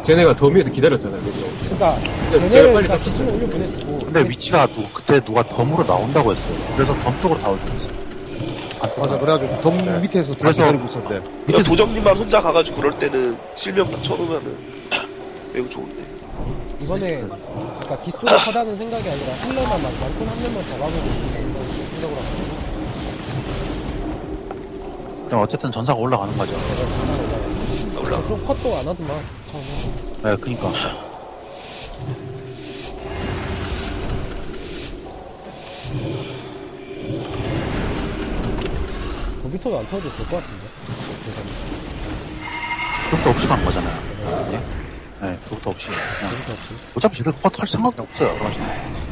쟤네가 더미에서 기다렸잖아요, 그죠? 그러니까 제가 쟤네를 빨리 다 땄어요. 기술을 올려 보내주고. 근데 위치가 그때 누가 덤으로 나온다고 했어요. 그래서 덤 쪽으로 다 올렸어요. 맞아, 그래가지고 덤 밑에서 다 그래서- 기다리고 있었는데. 밑에서 도정님만 혼자 가가지고 그럴 때는 실명 다 쳐놓으면은 매우 좋은데. 이번에 그러니까 기수가 커다는 생각이 아니라 힐러만 막 양꾼 한 명만 잡아보고 생각을 하고. 그럼 어쨌든 전사가 올라가는 거죠. 올라. 좀 컷도 안 하더만 처음에. 네, 그니까. 도비토도 안 터져도 될 것 같은데. 그것도 없이 가는 거잖아요. 예? 네, 그것도 없이. 그냥. 도비토 없이. 어차피 쟤들 그거 털 생각도 없어요. 그러니까.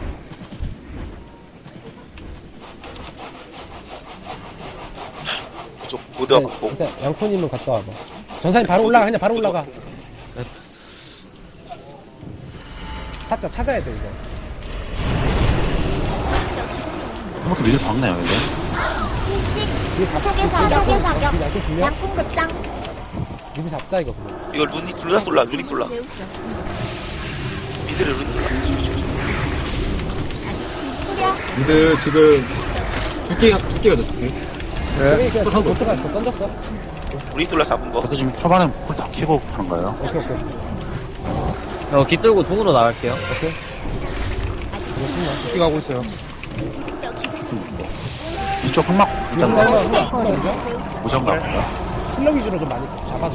그쪽 모두가 일단, 받고. 일단 양코님은 갔다 와봐. 전사님 바로 올라가. 그냥 바로 올라가. 찾아야 돼 이거. 한번더 미들 박네요, 이제. 이게 다 사격 사격 사격 양코 두 명? 양궁 급장 미드 잡자 이거 그냥. 이거 루나 솔라, 루닉 솔라. 미드를 루닉 솔라. 후려 근데 지금 두께가 더 좋게. 네. 저기 그냥 지금 도초가 더 던졌어. 루닉 솔라 잡은 거. 근데 지금 초반에 불 다 켜고 하는 거예요. 오케이. 깃들고 중으로 나갈게요. 오케이. 죽기 가고 있어요. 이쪽 흑막 일단 힐러 무장 가고요. 위주로 좀 많이 잡아줘.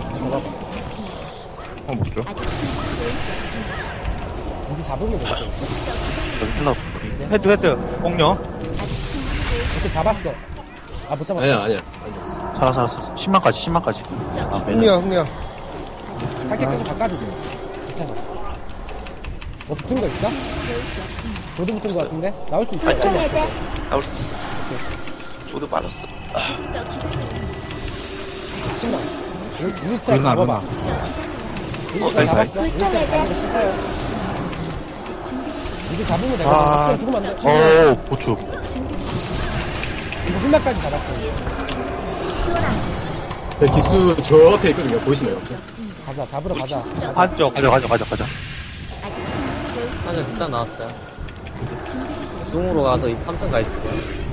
미드 잡으면 되겠다. 여기 힐러 불이. 헤드 공룡 이렇게 잡았어. 아 못 잡았다. 아니야. 살았어. 10만까지. 아, 흥리야, 흥리야. 할게 계속 바꿔주게. 괜찮아. 뭐 붙은 거 있어? 조드 붙은 거 같은데? 나올 수 있어. 보통 해제 나올 수 있어. 저도 빠졌어. 신나. 우리 스타일 잡아봐. 우리 스타일 잡았어. 우리 보통 스타일 잡는 거 해제 싫어요. 이제 잡으면 되거든. 아. 죽으면 안 돼. 오, 고추. 이거 훌라까지 잡았어. 네, 기수 저 앞에 있거든요. 보이시나요? 가자. 잡으러 가자. 반쪽 가자. 사실 극장 나왔어요. 중으로 가서 3층 가 있을게요.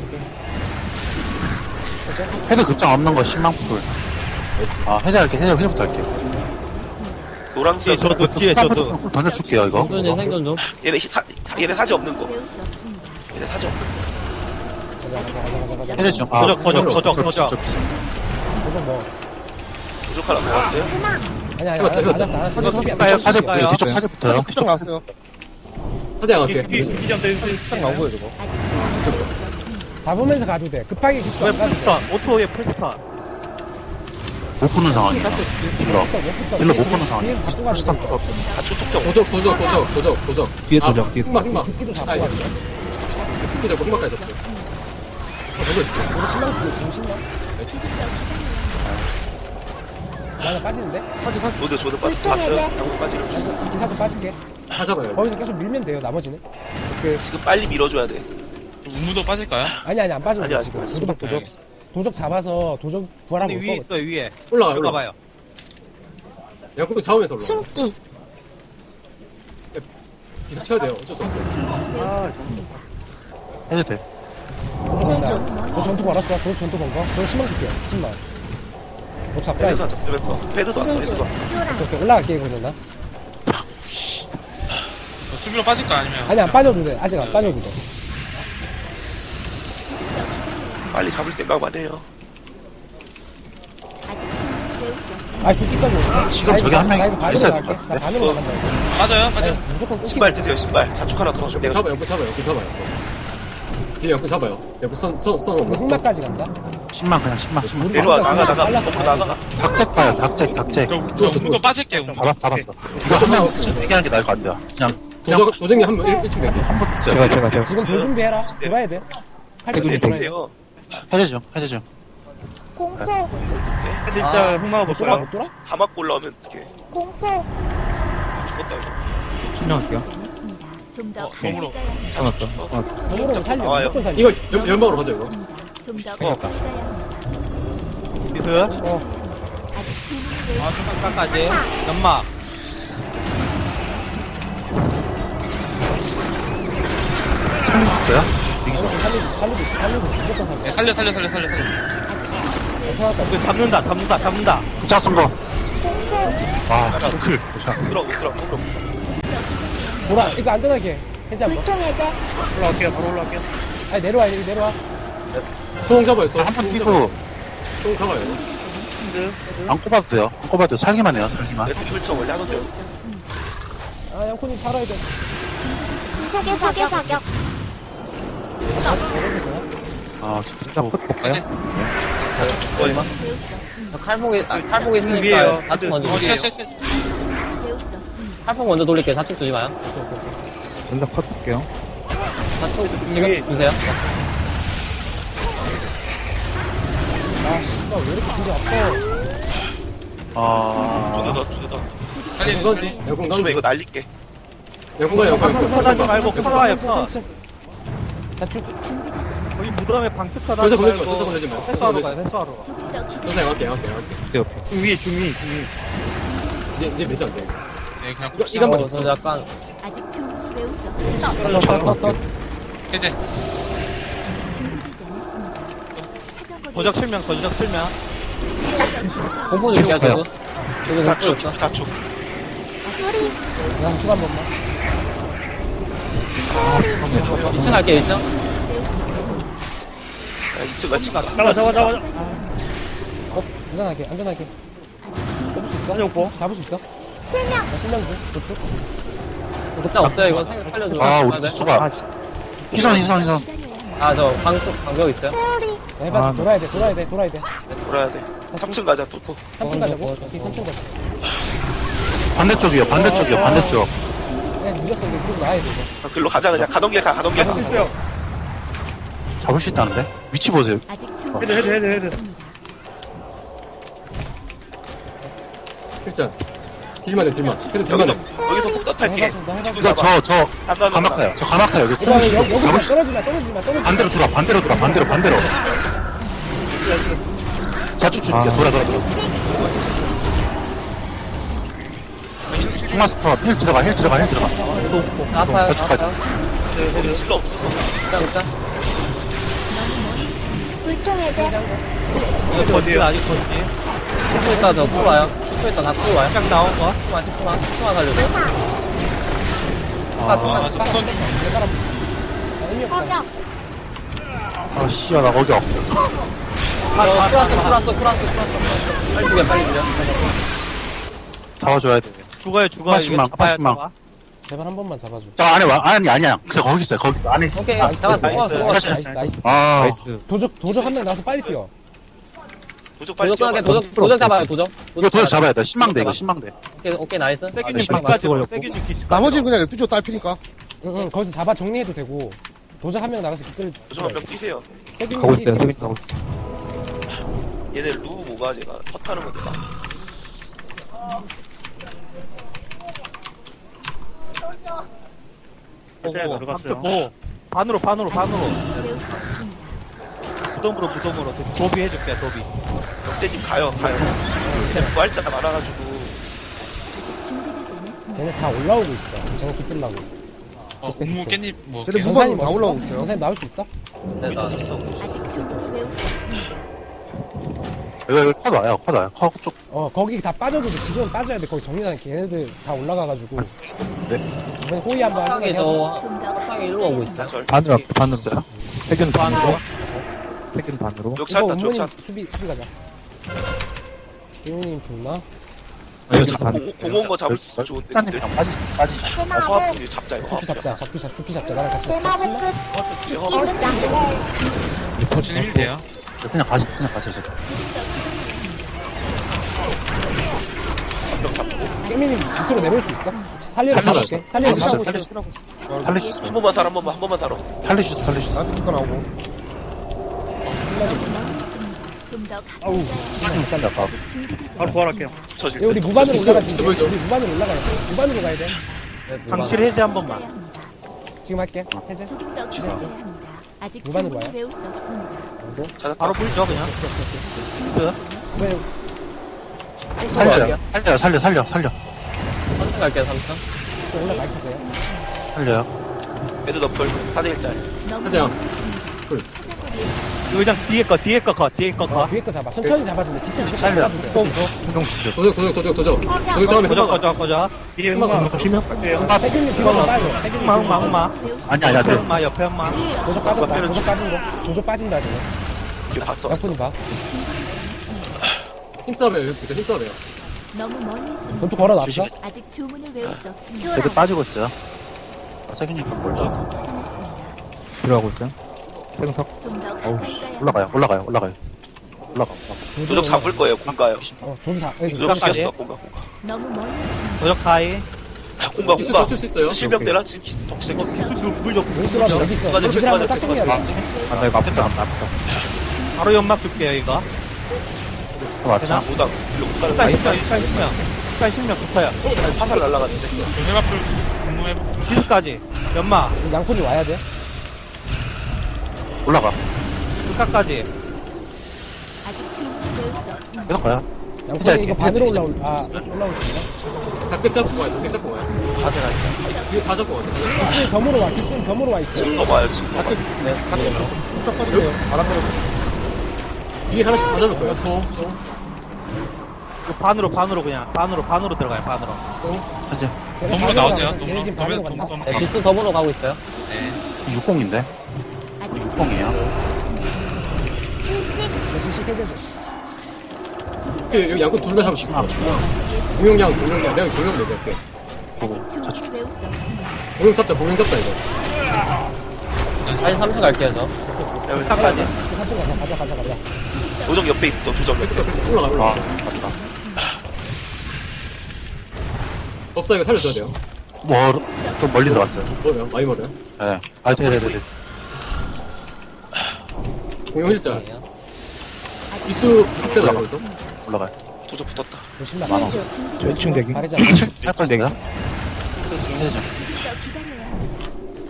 헤드 급장 없는 거 10만 풀. 아, 헤드부터 할게. 노랑 뒤에 지역. 저도 뒤에 저도 풀 던져줄게요, 이거. 수현이 생존 좀. 얘네 사지 없는 거. 얘네 사지 없는 거. 가자. 헤드 좀. 도적. 계속 뭐. 부족 하나 더 왔어요? 아니, 알았어. 사제, 뒤쪽 사제 붙어요. 끝장 나왔어요. 사대 양할게. 끝장 나온 거예요, 저거. 잡으면서 가도 돼. 급하게 기수 왜 안 가도 돼. 풀스타 5초에 풀스타 못 푸는 상황이야. 힐러. 힐러 못 푸는 뒤에서 상황이야. 잡고 가도 돼. 다초 톡톡. 도적. 뒤에 아, 도적, 뒤에 흑막. 죽기도 잡고 아, 가도 돼. 죽기 잡고 흑막까지 잡고. 우리 신랑 쓰고 중신랑. 나는 빠지는데? 조드 보통 봤어요? 해제 양쪽 빠지는 중. 기사도 빠질게. 다 잡아요. 거기서 계속 밀면 돼요, 나머지는. 지금 빨리 밀어줘야 돼. 우무도 빠질까요? 아니, 안 빠져. 아니, 지금. 아니, 도적, 도적. 도적 잡아서 도적 부활하고 근데 올 위에 거거든. 있어요 위에 올라가. 들어가봐요 양궁 잡으면서 올라가. 숨기 기사 쳐야 돼요. 어쩔 수 없어요. 헤드 돼. 도적 간다. 너 전투 걸었어. 도적 전투 건 거. 너 10만 줄게. 10만. 너 잡자. 패드사 이거. 잡으면서. 패드도 왔어, 패드도 왔어. 오케이. 올라갈게, 이거 나. 수비로 빠질까 아니면? 아니, 안 빠져도 돼. 아직 안 빠져도 돼. 빨리 잡을 생각만 해요. 아, 죽기까지 오네. 지금 저기 한 명이 반으로 있어야 나갈게. 될것 나 같은데? 반으로 나간다. 이거. 빠져요? 무조건 끊기. 신발 드세요, 신발. 자축 하나 더. 양궁 잡아요. 뒤에 양궁 잡아요. 양궁 선 이거 없어. 흑마까지 간다. 10만, 그냥 10만. 내려와, 나가. 빨랐어. 먹고 나가. 닭잭 봐요, 닭잭. 저 우무도 빠질게 우무. 잡았어. 이거 한 명 얘기하는 게 나을 것 같아요. 그냥 도적이 한번 1층 낼게. 한번 있어요. 지금 돌 준비해라. 돌아야 돼. 팔뚝 네, 돌아야 돼. 드세요. 헤드 중. 공포 진짜 흑마가 못 돌아? 못 돌아? 다 맞고 올라오면 어떡해. 공포 죽었다, 이거. 신청할게요. 몸으로. 정으로 살려. 나와요. 무조건 살려. 이거 연막으로 가자, 이거. 미스 아 초반까지 연막 살릴 수 있어요? 이기죠. 살리고 무조건 네, 살려. 살려. 편할까? 이거 잡는다. 자, 쓴 거. 아, 싱클. 들어, 들어. 보라, 이거 안전하게 해제 한번. 불통 해제. 바로 올라갈게요. 아니 내려와, 여기 내려와. 소홍 잡아요, 소홍. 한번 뛰고 소홍 잡아요. 안 꼽아도 돼요. 안 꼽아도 돼요. 살기만 해요, 살기만. 레트 펼쳐 원래 하던데요. 아, 양코님 살아야 돼. 세계 사격. 아, 진짜. 이제. 칼폭 있으니까 자축 먼저 시야. 줄게요. 칼폭 먼저 돌릴게요. 자축 주지 마요. 먼저 컷 볼게요. 자축 지금 주세요. 아, 씨발, 왜 이렇게 뒤로 아파? 아, 두대 더. 야공 살리는 던지. 야공 조심해, 던지. 이거 날릴게. 야공 가, 야공 가. 컷하지 말고 컷하와요, 컷. 자축. 거기 무덤에 방특하다 저기서 하지 건들지 마, 저기서 말고 건들지 마. 회수하러 가요, 회수하러 가. 저기서 양할게. 이제 매지 안 돼. 네, 그냥 이것만 저 있어. 약간 아직 주문을 외울 수 없어. 해제. 준비되지 않았습니다. 사정거리 도적 실명. 공포 줄게요. 저도. 자축, 자축. 소리. 양축 한 번만. 2층 갈게요. 2층. 야, 2층 같이 가. 잡아. 안전하게. 잡을 수 있어? 잡을 수 있어? 실명. 나 실명 줘. 도축. 극장 없어요. 이거 살려줘. 아, 우리 수가. 희선. 저 방벽 있어요. 소리. 나 해봐. 돌아야 돼. 돌아야 돼. 3층 가자, 뚫고. 3층 가자고? 오케이, 3층 가자. 반대쪽이요, 반대쪽. 그냥 늦었어. 이거 이쪽으로 나야 돼, 이거. 글로 가자, 그냥. 가던 길 가. 잡을 수 있다는데? 위치 보세요. 아직 준비되지 않았습니다. 실전. 딜만 해. 그래도 딜만 해. 여기서 폭탄 탈게. 나 해봐. 이거 저 가막가요. 저 가막가요. 여기 이거 콩 여기 잡을 수 떨어지 마. 반대로 돌아. 자축 줄게. 돌아. 중마스터 힐 들어가. 아파요. 자축까지. 거기 실러 없어서. 극장. 불통 해제. 이거 어디에요? 아직 어디? 10분 있다 저 풀 와요. 10분 있다 다 풀 와요. 딱 나온 거. 10분만 살려줘. 아, 저 스톤 좀. 사격. 아, 씨야, 나 거기 없어. 풀었어. 빨리 죽여. 잡아줘야 돼. 죽어요. 이거 80만, 잡아요, 80만. 잡아. 제발 한 번만 잡아줘. 저 안에 와. 아니야. 그냥 거기 있어요. 안에. 오케이. 나이스, 잡았어. 나이스. 나이스. 아, 도적 한 명 나와서 빨리 뛰어. 도적 빨리 도적 뛰어봐. 끊게 도적 잡아요. 도적. 이거 도저 잡아야 돼. 신망대. 오케이 나이스. 세균님 아, 기까지 걸렸고. 세균님 기까지. 나머지는 그냥 뚜죠 딸피니까. 응, 거기서 잡아 정리해도 되고. 도적 한 명 나가서 기끌. 도적 한 명 뛰세요. 가고 있어요. 얘네 루 뭐가 제가 컷하는 건데. 보고. 반으로. 외울 수 없습니다. 무덤으로. 도비 해줄게, 도비. 역대님 가요. 부활자가 많아가지고. 아직 준비되지 않았습니다. 얘네 다 올라오고 있어. 저거 기끌라고. 운무 깻잎 뭐. 쟤네 깻잎. 무반 다 올라오고 있어요. 선생님 나올 수 있어? 네, 나. 아직 준비를 외울 수 없습니다. 여기 컷 와요. 컷 쪽. 거기 다 빠져도 돼. 지금 빠져야 돼. 거기 정리하는 걔네들 다 올라가가지고. 네. 이번에 호의 한번 화상이 해서. 화상이 일로 오고 있어요. 반으로 있어요. 반으로. 역 이거 찾았다, 역 운모님 찾. 수비 가자. 기훈님 죽나? 공원 거 잡을 수 있어. 좋은데. 사장님 근데. 그냥 빠지죠. 대마보. 화학품이 잡자, 이거. 죽기 잡자. 죽기 잡자. 나랑 같이 대마보 잡자. 끝. 죽기 극장. 진입 힐 돼요. 그냥 가세요. 깨미님 밑으로 내볼 수 있어? 살리러 가볼게. 살리러 가고 있어. 살릴 수 있어요. 한 번만 달아, 한 번만 달아. 살릴 수 있어. 나한테 피가 나오고. 좀더 아우. 사장님 살려. 아까. 바로 부활할게요. 저질 우리 무반으로 올라가지. 있어 보이죠? 우리 무반으로 올라가야 돼. 무반으로 가야 돼. 방칠 해제 한 번만. 지금 할게. 해제. 조금 더 기다려야 합니다. 아직 무반으로 주문을 와요? 외울 수 없습니다. 찾았다. 바로 불죠, 그냥. 스. 이번에 살려. 천천히 갈게요, 3층. 올라가 있으세요. 살려요. 애드 너플 사제 일짤. 너무 하자. 멀리 이거 그냥 뒤에 거 뒤에 거 뒤에 거 뒤에 거 잡아. 천천히 잡아주면 기스 무조건 살려. 도적 다음에 거저 거저 거저 세균님 뒤로 빠져. 세균님 흑마 아니, 아니야, 돼. 흑마 옆에 흑마 도적 빠졌다. 도적 빠진 거. 도적 빠진다 지금. 이거 봤어. 약분이 봐. 힘싸움이에요. 힘싸움이에요. 너무 멀리 있습니다. 전투 걸어놨어? 주시면 아직 주문을 외울 수 없습니다. 애들 빠지고 있어요. 세균이니까 몰라. 계속 벗어났습니다. 들어가고 있어요. 생석. 좀 더 가까이 가야 올라가요. 올라가. 도적 잡을 거예요. 공가요. 조도 잡. 여기 도적 공가까지? 시켰어. 공가. 너무 멀리 있습니다. 도적 타이 공가. 기술 맞출 수 있어요? 실명 대라 지금 덕색. 물적 몬스가 여기 있어. 맞아, 기술 한번 맞아, 싹 정리하래. 나 이거 앞에 나갔다. 바로 연막 줄게요 이거 맞자. 보다 일로 못 가는 스카이 사이. 10명 붙어요 화살 날라갔는데. 요새마플 공무해보. 비스까지 연막 양푼이 와야 돼. 올라가. 스카까지 아직 주문을 외울 수 없습니다. 계속 가요. 양푼이 이거 반으로 올라올 수 있나? 닭잭 잡고 와요. 닭잭 잡고 와요. 화살 날까. 이거 다 잡고 와요. 기스 덤으로 와. 기스 덤으로 와 있어. 지금 넘어와요 지금. 밖에 쭉 빠지네요. 바람 불어. 뒤에 하나씩 다 잡을 거예요. 소. 이거 반으로 그냥 반으로 들어가요 반으로 현재 덤으로 나오세요. 얘네 지금 반으로 간다. 네, 기스 덤으로 가고 있어요. 60인데? 아직 60이에요. 예수식 해제줘. 여기 양꾼 둘 다 잡을 수 있어. 공룡량. 내가 공룡 내자 할게. 보고. 주문을 외울 수 없습니다. 공룡 잡자 이거. 다시 3층 갈게요, 저. 스카까지 사층 가자. 도적 옆에 있어. 도적 옆에. 올라가. 아, 맞다. 법사 이거 살려줘야 돼요. 좀 멀리 들어갔어요. 뭐요? 많이 멀어요. 네. 아, 돼. 공룡 힐자. 기수 비슷대로 나가고 있어. 올라가요. 도적 붙었다. 조심나. 많아. 왼층 대기. 잘해자. 할거 있어요? 좀 더 기다려야 합니다.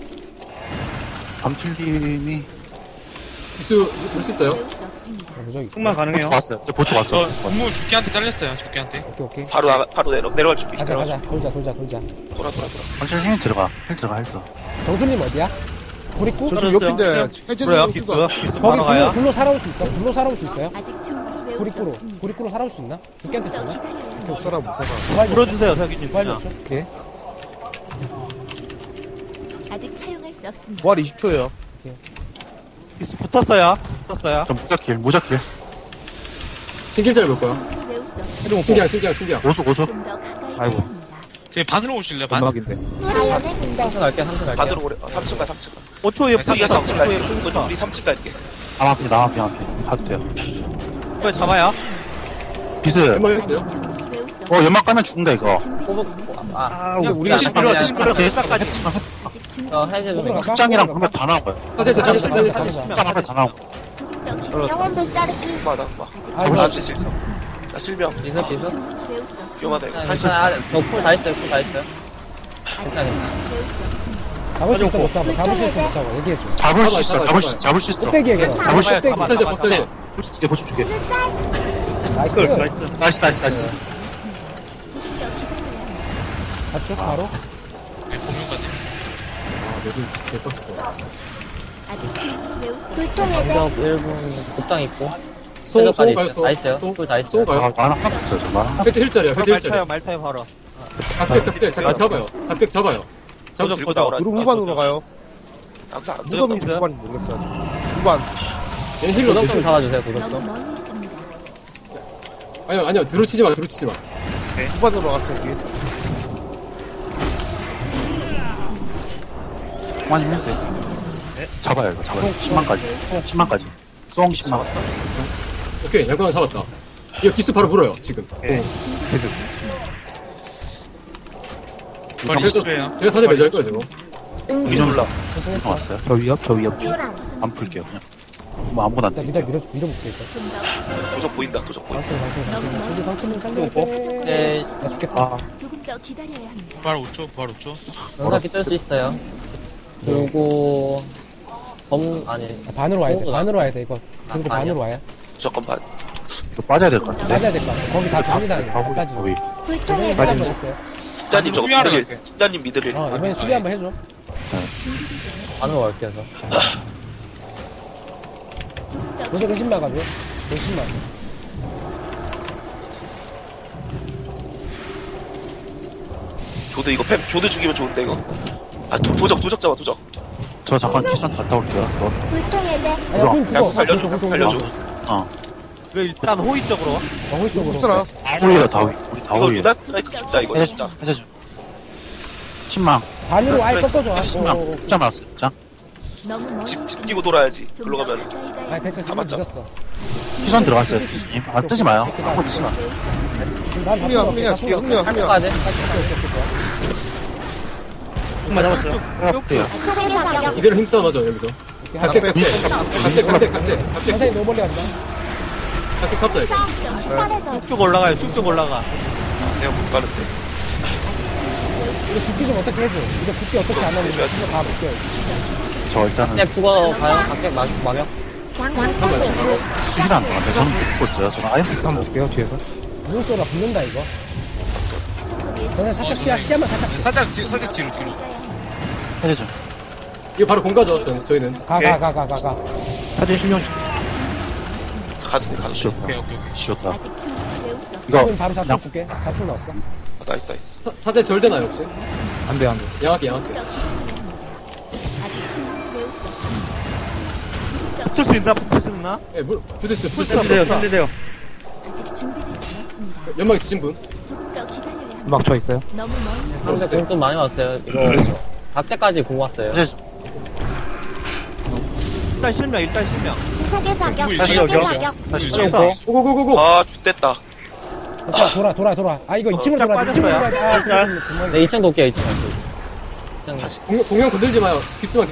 밤틀님이 기수 볼 수 있어요? 외울 수 없습니다. 무적이. 보초 왔어요. 이제 보초 왔어. 저 공무 죽기한테 잘렸어요. 죽기한테. 오케이. 바로 내려갈 준비. 가자. 내려갈 준비. 돌자. 돌아. 밤틀 힘 들어가. 힐 들어가. 정수님 어디야? 고립구? 저 지금 옆인데 해제는 그래요 없어. 기스 거기 반으로 가요 불로 살아올 수 있어? 불로 살아올 수 있어요? 아직 주문을 외울 수 고립구로. 없습니다. 고립구로 살아올 수 있나? 좀 죽게한테 더 주나? 기다려야 합니다. 못 살아 못 살아. 부활 물어주세요 서기님 부활 그냥 줘. 아직 사용할 수 없습니다. 부활 20초예요. 기스 붙었어요 좀 무적길. 신길자를 볼 거야. 주문을 외울 수 없습니다. 신기한. 고수. 좀 더 가까이 가야 합니다. 제 반으로 오실래요? 반. 3층 갈게요, 3층 갈게요. 반으로 오래. 3층 가. 5초에 우리가 붙었어 3층 갈게. 5초에 붙었어 우리 3층 갈게. 남앞에. 가도 돼요. 이거 잡아요 비스. 한번 했어요? 주문을 외울 수 없습니다. 연막 까면 죽는다, 이거. 준비 완료했습니다. 그냥 우리가 시끄러 그냥 시끄러 그냥 끝까지 아직 준비 저 해제 좀 호불호 해줘. 갈까? 극장이랑 보면 다 나온 거야. 사실 가자. 극장 앞에 다 나온 거야. 조금 더 기다려. 나. 아직 아이고, 주문을 씨. 외울 수 없습니다. 나 실명. 기스. 주문을 외울 수 없습니다. 위험하다 이거. 다시. 저풀 다 있어요, 풀 다 있어요. 아직 괜찮아. 주문을 외울 수 없습니다. 잡을 수 있어 못 잡아. 잡을 수 있어 못 잡아. 얘기해줘. 잡을 수 있어. 껍데기 얘기해. 잡을 수 있어. 껍데기. 법사제 법사제. 보초 줄게. 나이스. 나이스. 조금 더 기다려야 합니다. 맞죠? 바로? 네, 공룡까지. 매진 개빡치다. 아직 주문을 외울 수 없습니다. 공격 1분 급장 있고. 소 해적까지 가요. 있어요. 다 있어요. 풀 다 있어요. 소 가요. 아, 나는 하나도 없어요, 정말. 혜태 힐자리야. 혜태 말 힐자리. 타요 말 타요 바로 닭잭 잡아요. 닭잭 잡아요. 도적 들고 도적 나오라. 누르 후반으로 가요. 항상 무덤이 있어요? 후반인지 모르겠어요 아직. 후반. 얘 힐러 도적 좀 대신. 잡아주세요, 도적 너무 좀. 멀리 있습니다. 아니요. 드루치지 마. 후반으로 갔어요 뒤에. 그만 힘면 돼. 잡아요, 이거. 10만까지. 송 10만. 오케이. 양꾼 하나 잡았다. 이거 기수 바로 물어요. 지금. 반 20초에요. 제가 사제 매주할 거예요, 지금. 위로 올라. 왔어요. 저 위협. 안 풀게요, 그냥. 뭐 아무거나 안 일단 돼. 밀어볼게 일단. 좀 더 도적 보인다. 도적 보인다. 방침. 저기 방침을 살려야 돼. 네, 나 죽겠다. 아, 조금 더 기다려야 합니다. 부활 5초. 연사기 뜰 수 있어요. 그리고 아니 반으로 와야 돼. 소우가. 반으로 와야 돼 이거. 그리고 아, 반으로 와야. 무조건 반. 이거 빠져야 될 것 같은데. 빠져야 될 거 같아. 거기 다 정리다. 거기. 빠지고. 거기. 조정이 빠져 있어요. 진짜님 저거 수비하러 미드릴, 갈게. 진짜님 미드릴. 이번엔 수비 한번 해줘. 반으로 갈게 해서. 요새 근심 나가죠. 근심 나. 조드 이거 조드 죽이면 좋은데 이거. 아 도적 잡아 도적. 저 잠깐 키선 갔다 올게요. 아니야, 군 죽어. 살려줘 살려줘. 이거 일단 호위 쪽으로. 홀 쪽으로. 흡수나. 우리가 다 우리 다 이거 우리. 루나 스트라이크 진짜 이거 진짜. 해줘. 신망. 반으로 아예 꺾어줘. 신망. 진짜 많았어. 자, 너무 멀리 집 끼고 돌아야지. 글로 가면. 아, 됐어. 지금 맞죠? 늦었어. 키선 들어갔어요. 안 쓰지 마요. 아무것도 쓰지 마. 지금 난 흥미야, 흥미야, 뒤에 흥미야, 흥미야. 할까지? 해볼게요. 이대로 힘싸움 하죠 여기서. 각택 각택. 선생님 너무 멀리 간다. 각택 잡자 이거. 쭉쭉 올라가요. 쭉쭉 올라가. 내가 못 가는데. 이거 죽기 좀 어떻게 해줘. 이거 죽기 어떻게 안 하면 이거 다 묶여. 저 일단은 각객 죽어 가요. 각객 막역. 수시를 안 들어갔는데 저는 못 보고 있어요. 저는 아예 한번 볼게요, 뒤에서. 물소라 붙는다, 이거. 저는 살짝 시야만 살짝. 살짝 뒤로. 해줘. 이거 바로 공가죠 저희는. 가. 사진 신경 가도 돼 가도 돼. 지웠다. 오케이. 지웠다. 아직 충분히 배울 수 없습니다. 이거 지금 바로 4초 그냥 줄게. 4초 넣었어. 아, 나이스. 사제 절 되나요 혹시? 안 돼. 양학기. 더 기다려야 합니다. 아직 충분히 배울 수 없습니다. 붙을 수 있나? 붙을 수 있나? 예, 부스스. 아직 준비되지 않았습니다. 연막 있으신 분? 조금 더 기다려야 합니다. 막쳐 있어요. 너무 멀리 상대 공좀 많이 왔어요. 이거 각제까지 공 왔어요. 해줘. 일단 실명. 다시 됐어. 고고고고고. 아 죽됐다. 자, 돌아. 아, 이거 2층으로 짝 돌아. 2층으로 빠졌어요. 돌아. 아, 그럼 정말. 네, 2층 돕게요. 2층 갈게요. 공룡 건들지 마요. 기수만.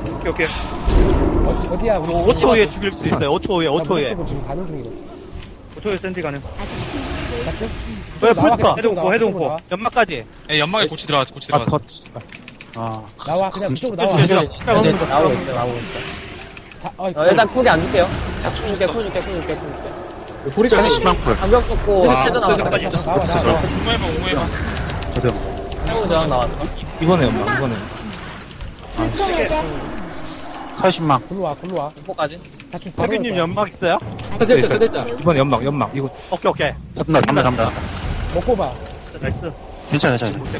어디야, 우리. 5초 후에 죽일 수 있어요. 5초 후에. 지금 가는 중이래. 아직 충분히 배울 수 봤어? 왜 나와, 벌써? 그냥 이쪽으로 나와. 연막까지. 예, 연막에 고치 들어갔어. 아, 나와, 그냥 이쪽으로 나와. 해줘. 나오고 있어. 자, 일단 쿨이 안 줄게요. 쿨 줄게. 고리가 사진 신망 풀. 방벽 쏟고 아, 쉐드 나왔어. 나와. 공모해봐. 저도 쉐드 저항 나왔어. 사진 신망. 글로 와. 공포까지. 세균님 연막 있어요? 사제자. 이번 오케이. 잡는다. 먹고 봐. 괜찮아.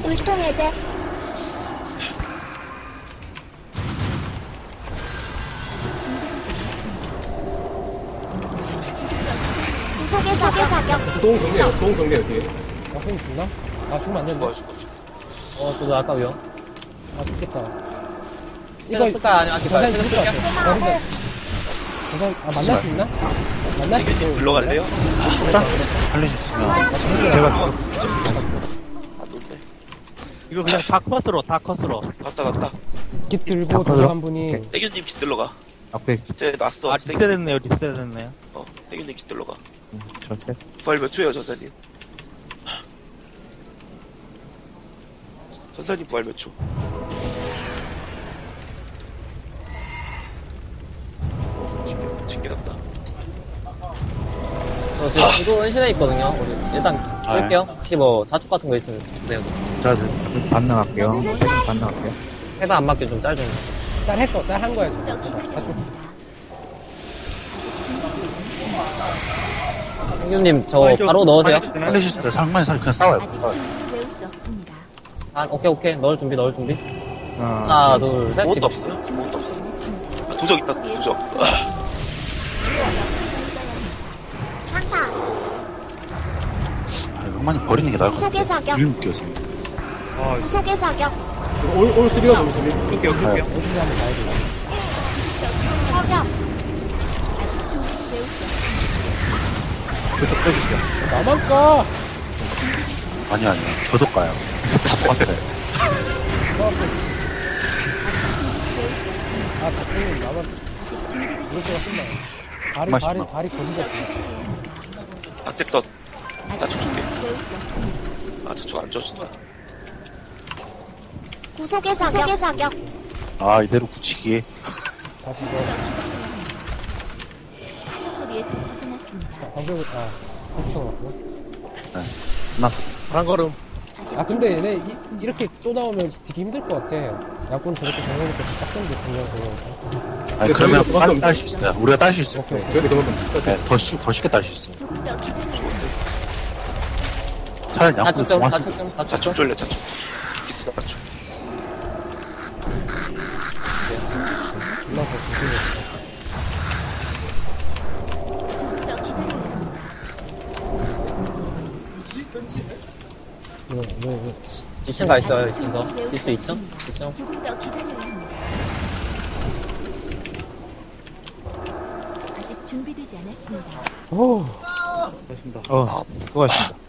소홍 정리해요 뒤에. 형님 죽나? 아, 죽으면 안 된다. 죽어. 저도 아까 위험. 아, 죽겠다. 이거 쓸까요? 아니면 아낄까요? 전산 쉐드 죽을 것 쓸게요. 같아. 만날 수 있나? 만날 수 있어. 불러갈래요? 살려주시면. 안 놓네. 이거 그냥 다 컷으로. 갔다. 깃 들고 도서관 분이. 세균님 깃들러 가. 쟤 났어. 아, 리셋했네요. 세균님 깃들러 가. 부활 몇 초예요 전사님? 전사님 부활 몇 초? 징계났다. 저 지금 이거 은신해 있거든요. 우리 일단 끌게요. 혹시 뭐 자축 같은 거 있으면 주세요. 자, 해봐 안 맞게 좀 짧은 거. 짤 했어. 짤 한 거야, 지금. 다 죽. 아직 준비되지 않았습니다. 형님 저 바로 넣으세요. 살려주실 때 상만이 그냥 싸워요. 아직 충분히 배울 수 없습니다. 아 오케이 넣을 준비. 하나 둘 셋. 아무것도 지금. 없어. 아무것도 없어. 아, 도적 있다. 도적. 상만이 버리는 게 나을 것 같아. 유임 끼어서. 올 수비가 좀 수비. 열심히 한번 가야 돼. 아직 충분히 배울 수 없습니다. 나만 까! 아니야. 저도 가요. 다 똑같아요. 아, 박근님 나만. 아직 준비되지 이럴수가 쓴다. 맛있구나. 발이 거지가 없어. 악잭덧. 아직 자축 줄게. 충분히 배울 수 없습니다. 아 자축 안 줘준다. 아, 이대로 굳히기. 다시 저, 사거리에서 벗어났습니다. 방벽을, 아, 흡수가 왔고. 끝났어. 한 걸음. 아직 아 근데 얘네 이렇게 또 나오면 되게 힘들 것 같아. 양꾼 저렇게 정해놓고 딱 던데 그냥 그냥. 아니, 그러면 빨리 딸 수 있어요. 우리가 딸 수 있어요. 오케이 오케이. 저희도 그만큼 네, 더 쉽게 딸 수 있어요. 조금 더 기다려야 차라리 양꾼 자축 좀, 동안 자축 좀, 자축 자축 좀. 쫄래 자축 기스 자축 불러서 조심히. 조금 더 기다려야 왜 2층 가 있어요, 2층 더. 지수 2층? 2층. 조금 더 기다려야 합니다. 아직 준비되지 않았습니다. 오. 수고하셨습니다.